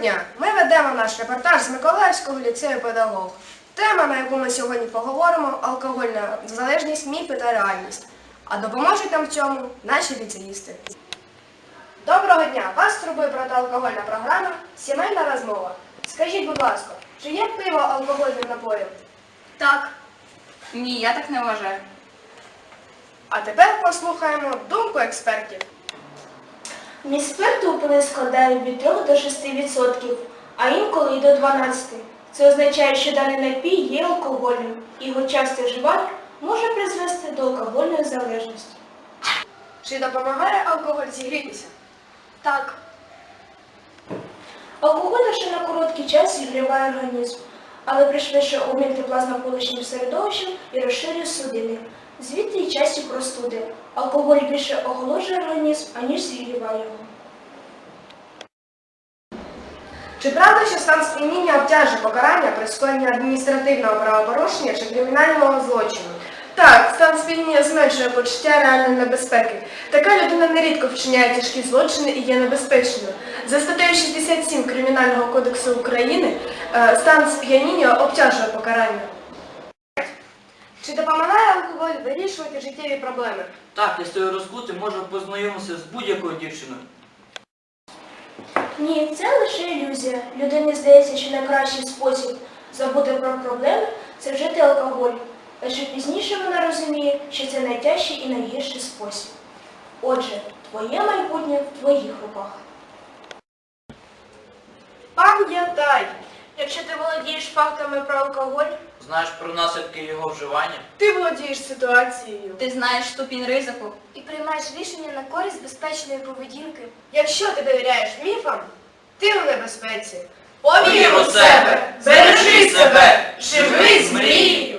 дня! Ми ведемо наш репортаж з Миколаївського ліцею «Педагог». Тема, на яку ми сьогодні поговоримо – алкогольна залежність, міфи та реальність. А допоможуть нам в цьому наші ліцеїсти. Доброго дня! Вас турбує протиалкогольна програма «Сімейна розмова». Скажіть, будь ласка, чи є пиво алкогольним напоєм? Так. Ні, я так не вважаю. А тепер послухаємо думку експертів. Вміст спирту у пиві складає від 3 до 6%, а інколи й до 12%. Це означає, що даний напій є алкогольним, і його часте вживання може призвести до алкогольної залежності. Чи допомагає алкоголь зігрітися? Так. Алкоголь лише на короткий час зігріває організм, але пришвидшує обмін тепла з навколишнім середовищем і розширює судини. Звідти й часті простуди. Алкоголь більше охолоджує організм, аніж зігріває його. Чи правда, що стан сп'яніння обтяжує покарання при скоєнні адміністративного правопорушення чи кримінального злочину? Так, стан сп'яніння зменшує почуття реальної небезпеки. Така людина нерідко вчиняє тяжкі злочини і є небезпечною. За статтею 67 Кримінального кодексу України стан сп'яніння обтяжує покарання. Чи допомагає алкоголь вирішувати життєві проблеми? Так, я стою розкутим, можу познайомитися з будь-якою дівчиною. Ні, це лише ілюзія. Людині здається, що найкращий спосіб забути про проблеми – це вжити алкоголь. Лише пізніше вона розуміє, що це найтяжчий і найгірший спосіб. Отже, твоє майбутнє в твоїх руках. Пам'ятай, якщо ти володієш фактами про алкоголь, Знаєш про наслідки його вживання? ти володієш ситуацією. Ти знаєш ступінь ризику. І приймаєш рішення на користь безпечної поведінки. Якщо ти довіряєш міфам, ти у небезпеці. Повір у себе, бережи себе, живи з мрій.